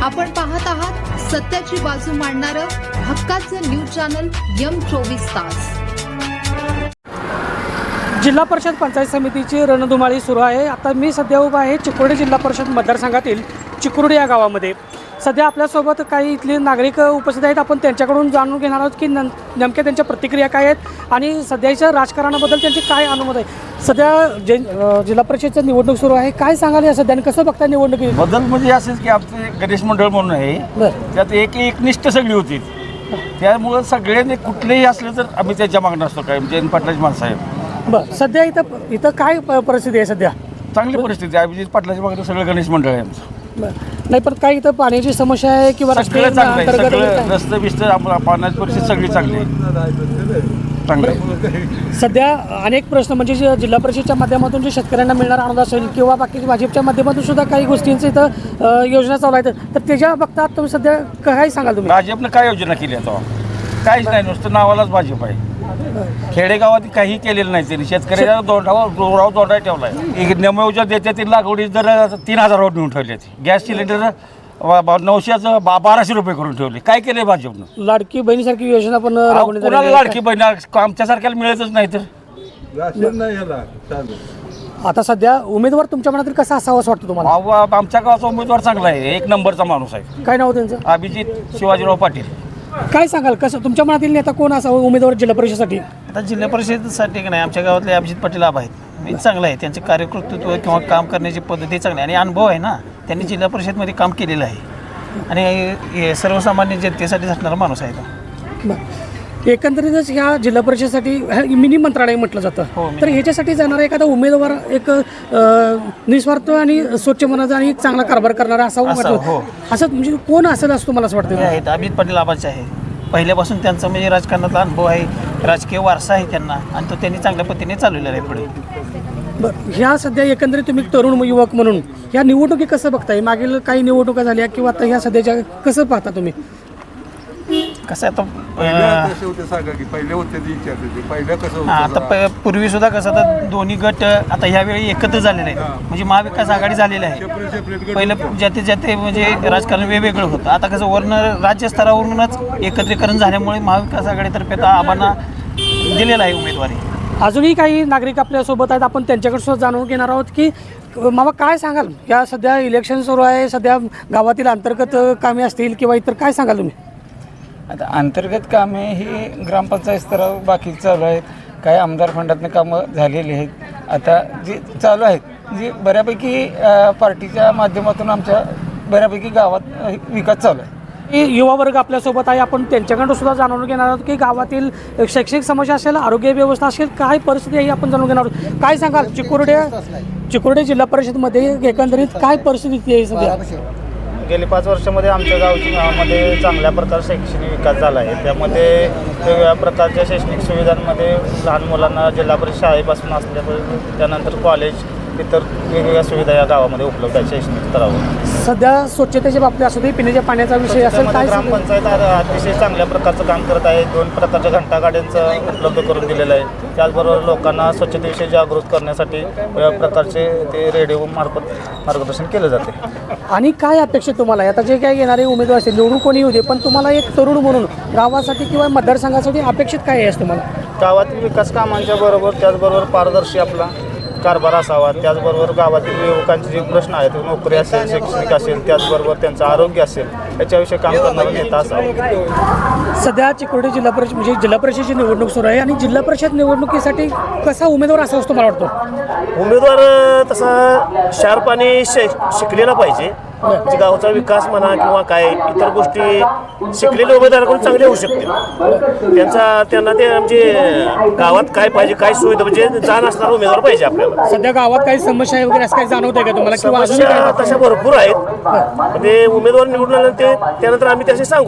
आपण पाहत आहात सत्याची बाजू मांडणारं हक्काचं न्यूज चॅनल M24 तास. जिल्हा परिषद पंचायत समितीची रणधुमाळी सुरू आहे. आता मी सध्या उभा आहे चिकोडी जिल्हा परिषद मतदारसंघातील चिकुर्डी या गावामध्ये. सध्या आपल्यासोबत काही इथले नागरिक उपस्थित आहेत. आपण त्यांच्याकडून जाणून घेणार आहोत की नेमक्या त्यांच्या प्रतिक्रिया काय आहेत आणि सध्याच्या राजकारणाबद्दल त्यांचे काय अनुभव आहे. सध्या जिल्हा परिषदचं निवडणूक सुरू आहे. काय सांगाल या सध्या कसं बघता निवडणुकी बदल म्हणजे असंच की आमचे गणेश मंडळ म्हणून आहे, त्यात एकनिष्ठ सगळी होती. त्यामुळं सगळ्यांनी कुठलेही असले तर आम्ही त्याच्या मागणं असतो. काय जयंत पाटलाची माणसं आहे. बरं, सध्या इथं काय परिस्थिती आहे सध्या? चांगली परिस्थिती आहे. अभिजित पाटलाच्या मागणं सगळं गणेश मंडळ आहे आमचं. नाही, पण काय इथं पाण्याची समस्या आहे किंवा सगळं चांगलं आहे. सगळं रस्ते बिस्ते पाण्याची परिस्थिती सगळी चांगली आहे. चांगलं आहे. सध्या अनेक प्रश्न म्हणजे जिल्हा परिषदेच्या माध्यमातून जे शेतकऱ्यांना मिळणारा अनुदान असेल किंवा बाकी भाजपच्या माध्यमातून सुद्धा काही गोष्टींचं इथं योजना चालू आहेत. तर त्याच्या बघता तुम्ही सध्या काय सांगाल तुम्ही? भाजपनं काय योजना केली आता? काहीच नाही, नुसतं नावालाच भाजप आहे. खेडेगावात काही केलेलं नाही त्यांनी. शेतकऱ्याच्या दोंडा ठेवला आहे. एक नियमयोजना देते ती लागवडी दर 3000 नेऊन ठेवली. गॅस सिलेंडर 900चं 1200 रुपये करून ठेवले. काय केले भाजपनं? लाडकी बहिणीसारखी योजना पण कोणाला लाडकी बहीण आमच्यासारख्याला मिळतच नाही. तर आता सध्या उमेदवार तुमच्या मनातील कसा असावा असं वाटतं तुम्हाला? आमच्या गावाचा उमेदवार चांगला आहे. एक नंबरचा माणूस आहे. काय नाव त्यांचं? अभिजित शिवाजीराव पाटील. काय सांगाल कसं तुमच्या मनातील नेता कोण असावा उमेदवार जिल्हा परिषदेसाठी? आता जिल्हा परिषदेसाठी नाही, आमच्या गावातले अभिजित पाटील आबा आहेत. चांगलं आहे त्यांचे कार्यकर्तृत्व किंवा काम करण्याची पद्धती चांगली आहे आणि अनुभव आहे ना. त्यांनी जिल्हा परिषदमध्ये काम केलेलं आहे आणि सर्वसामान्य जनतेसाठी झटणारा माणूस आहे तो. एकंदरीतच ह्या जिल्हा परिषदेसाठी मिनी मंत्रालय म्हटलं जातं. तर ह्याच्यासाठी जाणारा एखादा उमेदवार एक निस्वार्थ आणि स्वच्छ मनाचा आणि चांगला कारभार करणारा असावं वाटतं. असं म्हणजे कोण असेल असं तुम्हाला असं वाटतं? आहेत अभिजित पाटील आबाचे आहे. पहिल्यापासून त्यांचा म्हणजे राजकारणातला अनुभव आहे, राजकीय वारसा आहे त्यांना आणि तो त्यांनी चांगल्या पद्धतीने चालवलेला आहे पुढे. बरं, ह्या सध्या एकंदरीत तुम्ही तरुण युवक म्हणून ह्या निवडणुकी कसं बघताय? मागील काही निवडणुका झाल्या किंवा आता ह्या सध्याच्या कसं पाहता तुम्ही? कसं आता पूर्वी सुद्धा कसं आता दोन्ही गट आता ह्यावेळी एकत्र झालेले आहेत. म्हणजे महाविकास आघाडी झालेली आहे. पहिलं ज्याते म्हणजे राजकारण वेगवेगळं होतं. आता कसं वर्ण राज्यस्तरावरूनच एकत्रीकरण झाल्यामुळे महाविकास आघाडीतर्फे आता आबांना दिलेला आहे उमेदवारी. अजूनही काही नागरिक आपल्यासोबत आहेत. आपण त्यांच्याकडे सुद्धा जाणून घेणार आहोत की मामा काय सांगाल? या सध्या इलेक्शन सुरू आहे. सध्या गावातील अंतर्गत कामे असतील किंवा इतर काय सांगाल तुम्ही? आता अंतर्गत कामे ही ग्रामपंचायत स्तरावर बाकी चालू आहेत. काही आमदार फंडातनं कामं झालेली आहेत. आता जी चालू आहेत जी बऱ्यापैकी पार्टीच्या माध्यमातून आमच्या बऱ्यापैकी गावात विकास चालू आहे. युवा वर्ग आपल्यासोबत आहे. आपण त्यांच्याकडून सुद्धा जाणून घेणार आहोत की गावातील शैक्षणिक समस्या असेल, आरोग्य व्यवस्था असेल, काय परिस्थिती आहे आपण जाणून घेणार आहोत. काय सांगाल चिकुर्डी जिल्हा परिषदमध्ये एकंदरीत काय परिस्थिती आहे सध्या? गेली 5 वर्षामध्ये आमच्या गावामध्ये चांगल्या प्रकारे शैक्षणिक विकास झाला आहे. त्यामध्ये वेगवेगळ्या प्रकारच्या शैक्षणिक सुविधांमध्ये लहान मुलांना जिल्हा परिषद शाळेपासून असल्यापासून त्यानंतर कॉलेज इतर वेगवेगळ्या सुविधा या गावामध्ये उपलब्ध आहेत शैक्षणिक स्तरावर. सध्या स्वच्छतेच्या बाबतीत असू दे, पिण्याच्या पाण्याचा विषय असेल, काय ग्रामपंचायत अतिशय चांगल्या प्रकारचं काम करत आहे. 2 प्रकारच्या घंटागाड्यांचं उपलब्ध करून दिलेलं आहे. त्याचबरोबर लोकांना स्वच्छतेविषयी जागृत करण्यासाठी वेगवेगळ्या प्रकारचे ते रेडिओ मार्फत मार्गदर्शन केलं जाते. आणि काय अपेक्षा तुम्हाला? आता जे काय येणारे उमेदवार असतील निवडून कोणी येऊ दे, पण तुम्हाला एक तरुण म्हणून गावासाठी किंवा मतदारसंघासाठी अपेक्षित काय आहे तुम्हाला? गावातील विकास कामांच्या बरोबर त्याचबरोबर पारदर्शी आपला कारभार असावा. त्याचबरोबर गावातील युवकांचे जे प्रश्न आहेत, नोकरी असेल, शैक्षणिक असेल, त्याचबरोबर त्यांचं आरोग्य असेल, याच्याविषयी काम करणारा नेता असावा. सध्या चिकोडी जिल्हा परिषद म्हणजे जिल्हा परिषदेची निवडणूक सुरू आहे आणि जिल्हा परिषद निवडणुकीसाठी कसा उमेदवार असा असतो मला वाटतं? उमेदवार तसा शार्प आणि शिकलेला पाहिजे. म्हणजे गावचा विकास म्हणा किंवा काय इतर गोष्टी शिकलेल्या उमेदवाराकडून चांगले होऊ शकतील. त्यांना ते म्हणजे गावात काय पाहिजे, काय सुविधा म्हणजे जाण असणारा उमेदवार पाहिजे आपल्याला. सध्या गावात काही समस्या आहे वगैरे असं काही जाणवत आहे का तुम्हाला? समस्या तशा भरपूर आहेत. ते उमेदवार निवडून आल्यानंतर त्यानंतर आम्ही त्याशी सांगू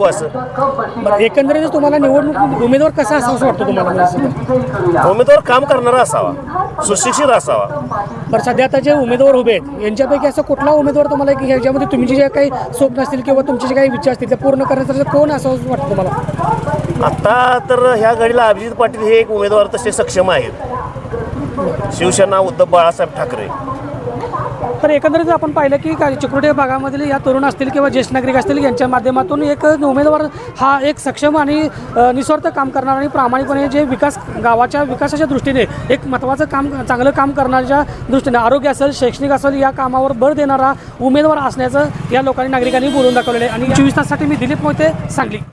असं. एकंदरीत तुम्हाला निवडणूक उमेदवार कसा असावा असं वाटतं तुम्हाला? उमेदवार काम करणारा असावा, सुशिक्षित असावा. बरं, सध्या आता जे उमेदवार उभे आहेत यांच्यापैकी असं कुठला उमेदवार तुम्हाला की ह्याच्यामध्ये तुमचे जे काही स्वप्न असतील किंवा तुमचे जे काही विचार असतील ते पूर्ण करण्याचं कोण असं वाटतं तुम्हाला? आता तर ह्या घडीला अभिजित पाटील हे एक उमेदवार तसे सक्षम आहेत. शिवसेना उद्धव बाळासाहेब ठाकरे तर एकंदरीत आपण पाहिलं की चिकोडी भागामधील या तरुण असतील किंवा ज्येष्ठ नागरिक असतील यांच्या माध्यमातून एक उमेदवार हा एक सक्षम आणि निस्वार्थ काम करणारा आणि प्रामाणिकपणे जे गावाच्या विकासाच्या दृष्टीने एक महत्त्वाचं काम चांगलं काम करण्याच्या दृष्टीने आरोग्य असेल शैक्षणिक असेल या कामावर भर देणारा उमेदवार असण्याचं या लोकांनी नागरिकांनी बोलून दाखवलेलं आहे. आणि 24 ताससाठी मी दिलीप मोहिते, सांगली.